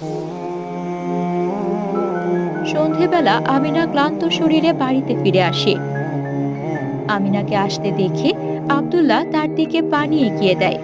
সন্ধেবেলা আমিনা ক্লান্ত শরীরে বাড়িতে ফিরে আসে। আমিনাকে আসতে দেখে আব্দুল্লাহ তার দিকে পানি এগিয়ে দেয়।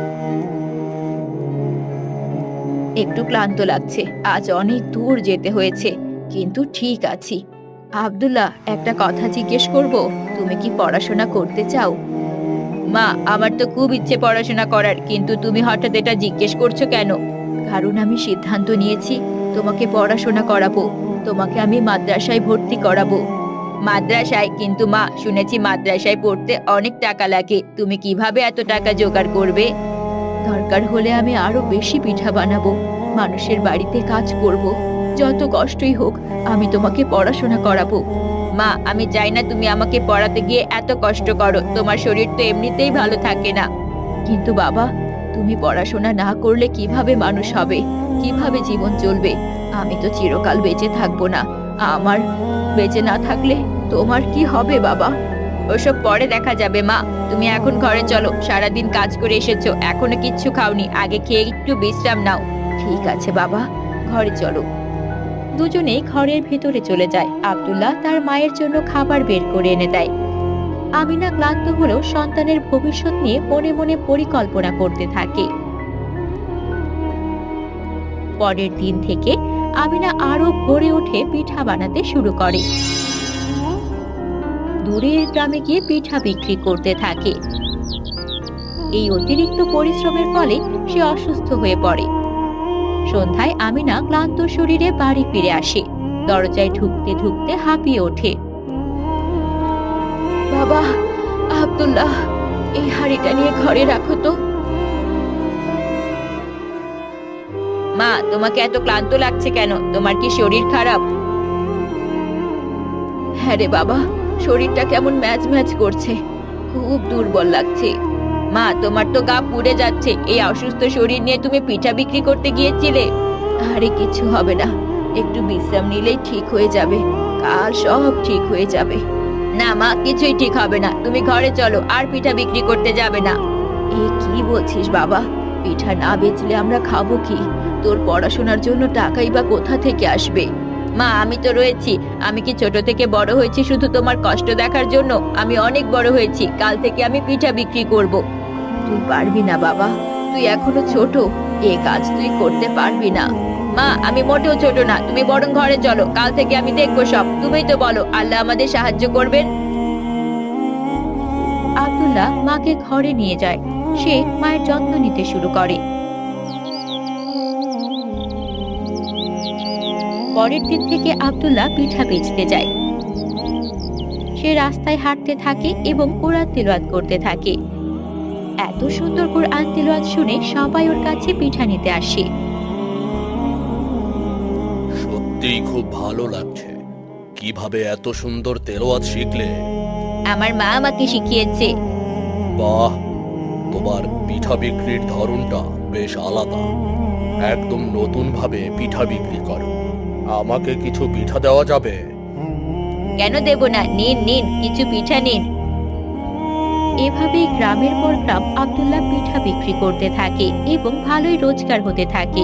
একটু ক্লান্ত লাগছে, আজ অনেক দূর যেতে হয়েছে, কিন্তু ঠিক আছি। আব্দুল্লাহ, একটা কথা জিজ্ঞেস করব, তুমি কি পড়াশোনা করতে চাও? মা, আমার তো খুব ইচ্ছে পড়াশোনা করার, কিন্তু তুমি হঠাৎ এটা জিজ্ঞেস করছো কেন? কারণ আমি সিদ্ধান্ত নিয়েছি তোমাকে পড়াশোনা করাবো। তোমাকে আমি মাদ্রাসায় ভর্তি করাবো। মাদ্রাসায়? কিন্তু মা, শুনেছি মাদ্রাসায় পড়তে অনেক টাকা লাগে, তুমি কিভাবে এত টাকা জোগাড় করবে? দরকার হলে আমি আরো বেশি পিঠা বানাবো, মানুষের বাড়িতে কাজ করব, যত কষ্টই হোক আমি তোমাকে পড়াশোনা করাবো। মা, আমি চাই না তুমি আমাকে পড়াতে গিয়ে এত কষ্ট করো, তোমার শরীর তো এমনিতেই ভালো থাকে না। কিন্তু বাবা, তুমি পড়াশোনা না করলে কিভাবে মানুষ হবে, কিভাবে জীবন চলবে? আমি তো চিরকাল বেঁচে থাকবো না। আমার বেঁচে না থাকলে তোমার কি হবে বাবা? ওসব পরে দেখা যাবে মা, তুমি এখন ঘরে চলো, সারাদিন কাজ করে এসেছো, এখনো কিচ্ছু খাওনি, আগে খেয়ে একটু বিশ্রাম নাও। ঠিক আছে বাবা, ঘরে চলো। দুজনেই ঘরের ভেতরে চলে যায়। আব্দুল্লাহ তার মায়ের জন্য খাবার বের করে এনে দেয়। আমিনা ক্লান্ত হলেও সন্তানের ভবিষ্যৎ নিয়ে মনে মনে পরিকল্পনা করতে থাকে। পরের দিন থেকে আমিনা আরো ভোরে উঠে পিঠা বানাতে শুরু করে। দূরের গ্রামে গিয়ে পিঠা বিক্রি করতে থাকে। এই অতিরিক্ত পরিশ্রমের ফলে সে অসুস্থ হয়ে পড়ে। সন্ধ্যায় আমিনা ক্লান্ত শরীরে বাড়ি ফিরে আসে। দরজায় ঢুকতে ঢুকতে হাঁপিয়ে ওঠে। বাবা, আব্দুল্লাহ, এই হাঁড়িটা নিয়ে ঘরে রাখো তো। মা, তোমাকে এত ক্লান্ত লাগছে কেন? তোমার কি শরীর খারাপ? হ্যাঁ রে বাবা, শরীরটা কেমন ম্যাজ ম্যাজ করছে, খুব দুর্বল লাগছে। মা, তোমার তো গা পুড়ে যাচ্ছে, এই অসুস্থ শরীর নিয়ে তুমি পিঠা বিক্রি করতে গিয়েছিলে? আরে কিছু হবে না, একটু বিশ্রাম নিলেই ঠিক হয়ে যাবে, কাল সব ঠিক হয়ে যাবে। না মা, কিছুই ঠিক হবে না, তুমি ঘরে চলো, আর পিঠা বিক্রি করতে যাবে না। এ কি বলছিস বাবা? পিঠা না বেচলে আমরা খাবো কি? তোর পড়াশোনার জন্য টাকাই বা কোথা থেকে আসবে? মা, আমি তো রয়েছি। আমি কি ছোট থেকে বড় হয়েছি শুধু তোমার কষ্ট দেখার জন্য? আমি অনেক বড় হয়েছি, কাল থেকে আমি পিঠা বিক্রি করব। তুই পারবি না বাবা, তুই এখনো ছোট, এ কাজ তুই করতে পারবি না। মা, আমি মোটেও ছোট না, তুমি বরং ঘরে চলো, কাল থেকে আমি দেখবো সব। তুমিই তো বলো আল্লাহ আমাদের সাহায্য করবেন। আব্দুল্লাহ মাকে ঘরে নিয়ে যায়। সে মায়ের যত্ন নিতে শুরু করে। পরের দিন থেকে আব্দুল্লাহ পিঠা বেচতে যায়। সে রাস্তায় হাঁটতে থাকে এবং কোরআন তিলাওয়াত করতে থাকে। এত সুন্দর কোরআন তিলাওয়াত শুনে সবাই ওর কাছে পিঠা নিতে আসে। সত্যিই খুব ভালো লাগছে। কিভাবে এত সুন্দর তেলাওয়াত শিখলে? আমার মা আমাকে শিখিয়েছে। বাহ, তোমার পিঠা বিক্রির ধরনটা বেশ আলাদা। একদম নতুন ভাবে পিঠা বিক্রি করো। আমাকে কিছু পিঠা দেওয়া যাবে? কেন দেব না, নিন নিন, কিছু পিঠা নিন। এভাবেই গ্রামের পর গ্রাম আব্দুল্লাহ পিঠা বিক্রি করতে থাকে এবং ভালোই রোজগার হতে থাকে।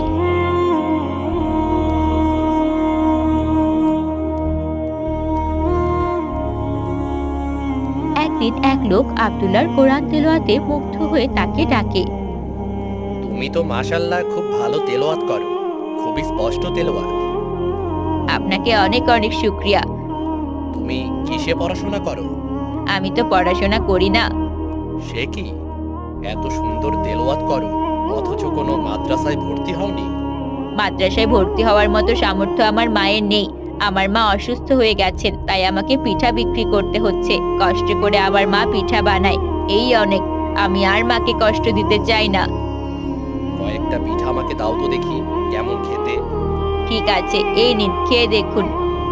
একদিন এক লোক আব্দুল্লাহর কোরআন তেলাওয়াতে মুগ্ধ হয়ে তাকে ডাকে। তুমি তো মাশাআল্লাহ খুব ভালো তেলাওয়াত করো, খুবই স্পষ্ট তেলাওয়াত। আপনাকে অনেক অনেক শুকরিয়া। তুমি কিসে পড়াশোনা করো? আমি তো পড়াশোনা করি না। সে কি, এত সুন্দর তেলাওয়াত করো অথচ কোনো মাদ্রাসায় ভর্তি হওনি? মাদ্রাসায় ভর্তি হওয়ার মতো সামর্থ্য আমার মায়ের নেই। আমার মা অসুস্থ হয়ে গেছেন, তাই আমাকে পিঠা বিক্রি করতে হচ্ছে। কষ্ট করে আমার মা পিঠা বানায়, এই অনেক। আমি আর মাকে কষ্ট দিতে চাই না। কয়েকটা পিঠা আমাকে দাও তো দেখি, কেমন খেতে। ঠিক আছে, এই নিন, খেয়ে দেখুন।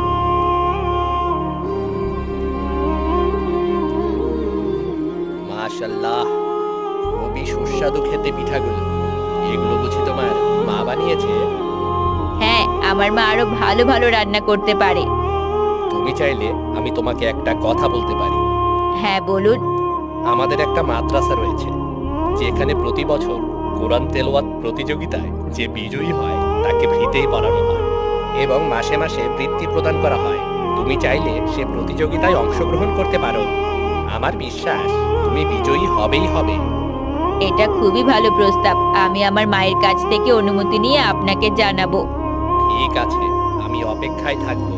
মাশাআল্লাহ, খুবই সুস্বাদু খেতে পিঠাগুলো। এগুলো বুঝি তোমার মা বানিয়েছে? হ্যাঁ, আমার মা আরো ভালো ভালো রান্না করতে পারে। তুমি চাইলে আমি তোমাকে একটা কথা বলতে পারি। হ্যাঁ বলুন। আমাদের একটা মাদ্রাসা রয়েছে, যেখানে প্রতি বছর কোরআন তেলাওয়াত প্রতিযোগিতায় যে বিজয়ী হয় তাকে ফ্রিতেই পড়ানো হয় এবং মাসে মাসে বৃত্তি প্রদান করা হয়। তুমি চাইলে সে প্রতিযোগিতায় অংশগ্রহণ করতে পারো। আমার বিশ্বাস তুমি বিজয়ী হবেই হবে। এটা খুবই ভালো প্রস্তাব। আমি আমার মায়ের কাছ থেকে অনুমতি নিয়ে আপনাকে জানাবো। ঠিক আছে, আমি অপেক্ষায় থাকবো।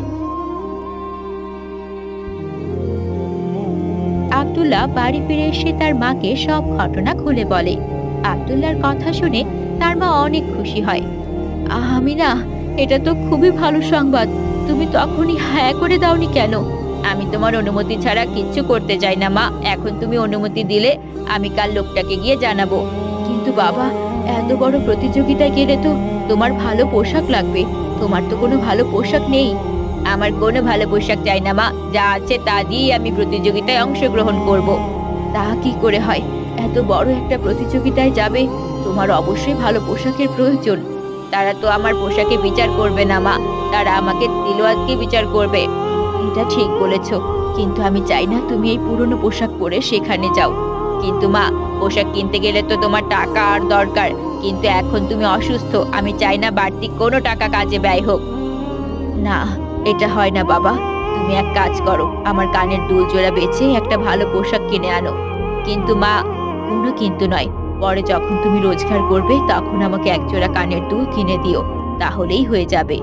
আব্দুল্লাহ বাড়ি ফিরে এসে তার মাকে সব ঘটনা খুলে বলে। আব্দুল্লাহর কথা শুনে তার মা অনেক খুশি হয়। আমিনা, এটা তো খুবই ভালো সংবাদ। তুমি তখনই হ্যাঁ করে দাওনি কেন? আমি তোমার অনুমতি ছাড়া কিচ্ছু করতে চাই না মা। এখন তুমি অনুমতি দিলে আমি কাল লোকটাকে গিয়ে জানাবো। কিন্তু বাবা, এত বড় প্রতিযোগিতায় গেলে তো তোমার ভালো পোশাক লাগবে। তোমার তো কোনো ভালো পোশাক নেই। আমার কোনো ভালো পোশাক চাই না মা। যা আছে তা দিয়ে আমি প্রতিযোগিতায় অংশগ্রহণ করব। তা কি করে হয়? এত বড় একটা প্রতিযোগিতায় যাবে, তোমার অবশ্যই ভালো পোশাকের প্রয়োজন। তারা তো আমার পোশাকে বিচার করবে না মা, তারা আমাকে তিলওয়াতকে বিচার করবে। এটা ঠিক বলেছ, কিন্তু আমি চাই না তুমি এই পুরনো পোশাক পরে সেখানে যাও। কিন্তু মা, পোশাক কিনতে গেলে তো তোমার টাকা আর দরকার। কিন্তু এখন তুমি অসুস্থ, আমি চাই না বাড়তি কোনো টাকা কাজে ব্যয় হোক। না, এটা হয় না বাবা। তুমি এক কাজ করো, আমার কানের দুল জোড়া বেচে একটা ভালো পোশাক কিনে আনো। কিন্তু মা, কোনো কিন্তু নয়। পরে যখন তুমি রোজগার করবে তখন আমাকে এক জোড়া কানের দুল কিনে দিও, তাহলেই হয়ে যাবে।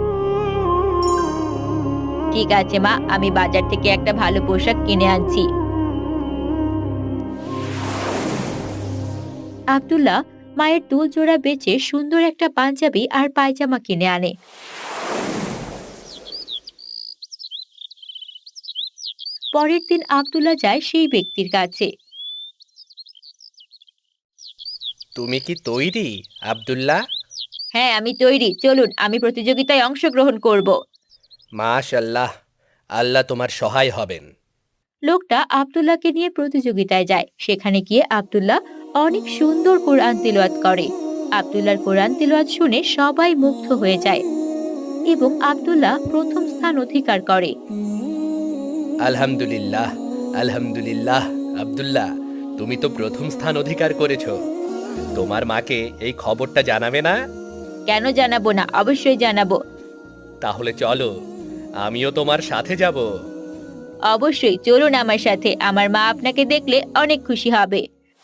ঠিক আছে মা, আমি বাজার থেকে একটা ভালো পোশাক কিনে আনছি। আব্দুল্লাহ মায়ের দুল জোড়া বেচে সুন্দর একটা পাঞ্জাবি আর পায়জামা কিনে আনে। পরের দিন আব্দুল্লাহ যায় সেই ব্যক্তির কাছে। তুমি কি তৈরি, আব্দুল্লাহ? হ্যাঁ, আমি তৈরি। চলুন, আমি প্রতিযোগিতায় অংশগ্রহণ করব। মাশাল্লাহ, আল্লাহ তোমার সহায় হবেন। লোকটা আব্দুল্লাহকে নিয়ে প্রতিযোগিতায় যায়। সেখানে গিয়ে আব্দুল্লাহ অনেক সুন্দর কোরআন তিলাওয়াত করে। আব্দুল্লাহর কোরআন তিলাওয়াত শুনে সবাই মুগ্ধ হয়ে যায় এবং আব্দুল্লাহ প্রথম স্থান অধিকার করে। আলহামদুলিল্লাহ, আলহামদুলিল্লাহ। আব্দুল্লাহ, তুমি তো প্রথম স্থান অধিকার করেছো। তোমার মাকে এই খবরটা জানাবে না? কেন জানাবো না? অবশ্যই জানাবো। তাহলে চলো, আমিও তোমার সাথে যাব। অবশ্যই চলুন আমার সাথে। আমার মা আপনাকে দেখলে অনেক খুশি হবে।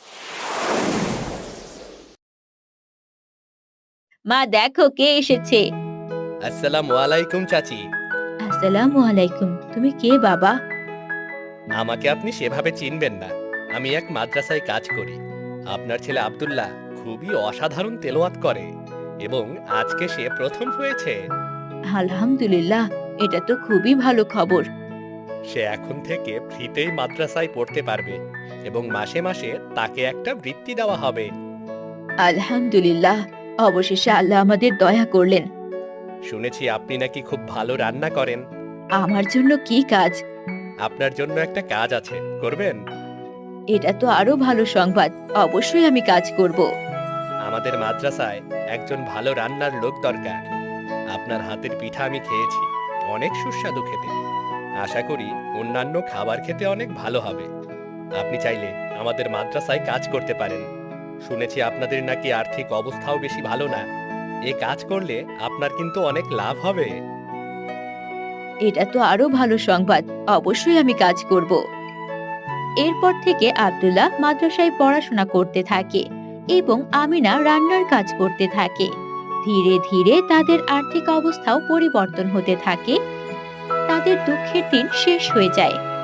মা, দেখো কে এসেছে। আসসালামু আলাইকুম চাচি। আসসালামু আলাইকুম। তুমি কে বাবা? আমাকে আপনি সেভাবে চিনবেন না। আমি এক মাদ্রাসায় কাজ করি। আপনার ছেলে আব্দুল্লাহ খুবই অসাধারণ তেলাওয়াত করে এবং আজকে সে প্রথম হয়েছে। আলহামদুলিল্লাহ, এটা তো খুবই ভালো খবর। সে এখন থেকে ফ্রিতেই মাদ্রাসায় পড়তে পারবে এবং মাসে মাসে তাকে একটা বৃত্তি দেওয়া হবে। আলহামদুলিল্লাহ, অবশেষে আল্লাহ আমাদের দয়া করলেন। শুনেছি আপনি নাকি খুব ভালো রান্না করেন। আমার জন্য কি কাজ? আপনার জন্য একটা কাজ আছে, করবেন? এটা তো আরো ভালো সংবাদ। অবশ্যই আমি কাজ করব। আমাদের মাদ্রাসায় একজন ভালো রান্নার লোক দরকার। আপনার হাতের পিঠা আমি খেয়েছি, অনেক সুস্বাদু খেতে। আশা করি অন্যান্য খাবার খেতে অনেক ভালো হবে। আপনি চাইলে আমাদের মাদ্রাসায় কাজ করতে পারেন। শুনেছি আপনাদের নাকি আর্থিক অবস্থাও বেশি ভালো না। এ কাজ করলে আপনার কিন্তু অনেক লাভ হবে। এটা তো আরো ভালো সংবাদ। অবশ্যই আমি কাজ করব। এরপর থেকে আব্দুল্লাহ মাদ্রাসায় পড়াশোনা করতে থাকে এবং আমিনা রান্নার কাজ করতে থাকে। ধীরে ধীরে তাদের আর্থিক অবস্থাও পরিবর্তন হতে থাকে। তাদের দুঃখের দিন শেষ হয়ে যায়।